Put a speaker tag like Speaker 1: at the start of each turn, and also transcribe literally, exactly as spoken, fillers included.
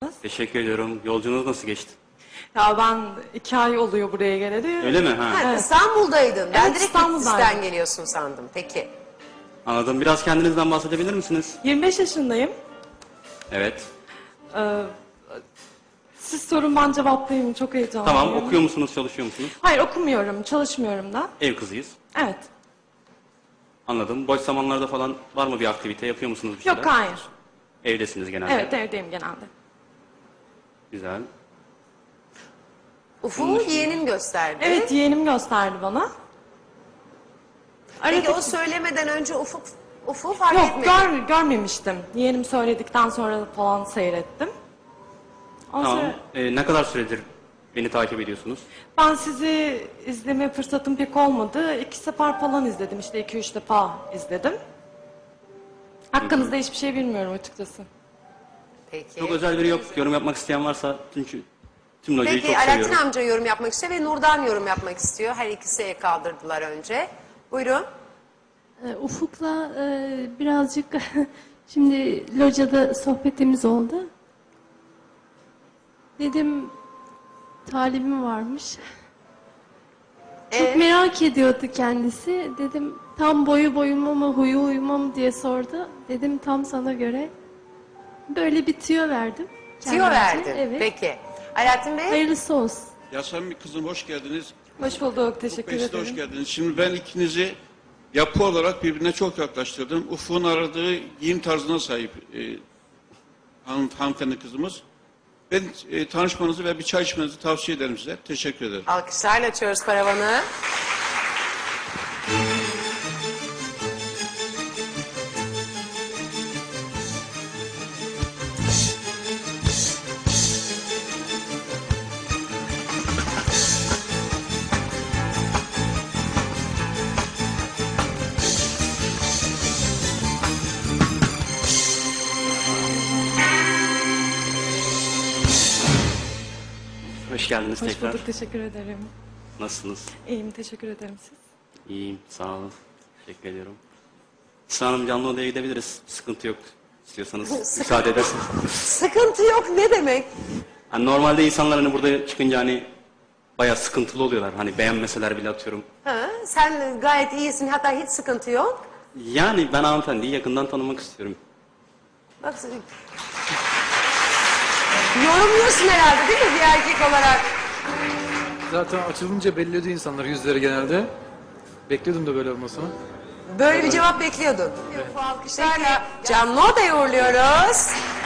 Speaker 1: nasılsınız?
Speaker 2: Teşekkür ediyorum. Yolculuğunuz nasıl geçti?
Speaker 1: Ya ben iki ay oluyor buraya geleli.
Speaker 2: Öyle mi? Ha.
Speaker 3: Ha,
Speaker 1: Evet.
Speaker 3: İstanbul'daydın. Ben
Speaker 1: Evet,
Speaker 3: direkt
Speaker 1: İstanbul'daydım.
Speaker 3: Bitlis'ten geliyorsun sandım. Peki.
Speaker 2: Anladım. Biraz kendinizden bahsedebilir misiniz?
Speaker 1: yirmi beş yaşındayım.
Speaker 2: Evet.
Speaker 1: Ee, siz sorun, ben cevaplayayım. Çok heyecanlıyım.
Speaker 2: Tamam. Okuyor musunuz, çalışıyor musunuz?
Speaker 1: Hayır, okumuyorum, çalışmıyorum da.
Speaker 2: Ev kızıyız.
Speaker 1: Evet.
Speaker 2: Anladım. Boş zamanlarda falan var mı bir aktivite? Yapıyor musunuz bir şeyler?
Speaker 1: Yok, hayır.
Speaker 2: Evdesiniz genelde.
Speaker 1: Evet, evdeyim genelde.
Speaker 2: Güzel.
Speaker 3: Ufuk'u yeğenin gösterdi.
Speaker 1: Evet, yeğenim gösterdi bana.
Speaker 3: Peki
Speaker 1: Aradık-
Speaker 3: o söylemeden önce Ufuk Ufuk'u fark
Speaker 1: Yok,
Speaker 3: etmedi.
Speaker 1: gör, görmemiştim. Yeğenim söyledikten sonra falan seyrettim. Ondan
Speaker 2: Tamam.
Speaker 1: sonra
Speaker 2: Ee, ne kadar süredir beni takip ediyorsunuz?
Speaker 1: ben sizi izleme fırsatım pek olmadı. İki sefer falan izledim. İşte iki üç defa izledim. Hakkınızda hiçbir şey bilmiyorum açıkçası.
Speaker 3: Peki.
Speaker 2: Çok özel biri yok. Yorum yapmak isteyen varsa çünkü tüm locayı
Speaker 3: Peki
Speaker 2: çok
Speaker 3: Alaaddin
Speaker 2: seviyorum.
Speaker 3: amca yorum yapmak istiyor ve Nurdan yorum yapmak istiyor. Her ikisi el kaldırdılar önce. Buyurun.
Speaker 4: Ee, Ufuk'la e, birazcık şimdi locada sohbetimiz oldu. Dedim talibim varmış. Çok
Speaker 3: Ee?
Speaker 4: merak ediyordu kendisi. Dedim tam boyu boyuma mı huyu huyuma mı diye sordu. Dedim tam sana göre. Böyle bir tüyo verdim.
Speaker 3: Tüyo
Speaker 4: kendimce.
Speaker 3: verdin.
Speaker 4: Evet.
Speaker 3: Peki. Alaaddin Bey.
Speaker 4: Hayırlısı olsun.
Speaker 5: Yasemin kızım hoş geldiniz.
Speaker 1: Hoş bulduk, teşekkür
Speaker 5: Ufuk Bey, siz de
Speaker 1: ederim.
Speaker 5: hoş geldiniz. Şimdi ben ikinizi yapı olarak birbirine çok yaklaştırdım. Ufuk'un aradığı giyim tarzına sahip e, hanım, hanımefendi kızımız. Ben e, tanışmanızı ve bir çay içmenizi tavsiye ederim size. Teşekkür ederim.
Speaker 3: Alkışlarla açıyoruz paravanı.
Speaker 2: Hoş geldiniz
Speaker 1: Hoş
Speaker 2: tekrar.
Speaker 1: bulduk, teşekkür ederim.
Speaker 2: Nasılsınız?
Speaker 1: İyiyim, teşekkür ederim siz.
Speaker 2: İyiyim. Sağ olun. Teşekkür ediyorum. Sıra Hanım, canlı odaya gidebiliriz. Sıkıntı yok. İstiyorsanız müsaade ederseniz.
Speaker 3: Sıkıntı yok ne demek?
Speaker 2: Hani normalde insanlar hani burada çıkınca hani bayağı sıkıntılı oluyorlar. Hani beğenmeseler bile atıyorum.
Speaker 3: Ha, sen gayet iyisin, hatta hiç sıkıntı yok.
Speaker 2: Yani ben hanımefendiyi yakından tanımak istiyorum.
Speaker 3: Bak, yorumluyorsun herhalde değil mi bir erkek olarak?
Speaker 6: Zaten açılınca belli ediyor insanlar yüzleri genelde. Bekliyordum da böyle olmasını.
Speaker 3: Böyle bir cevap bekliyordun. Bu alkışlarla canlı odaya uğurluyoruz.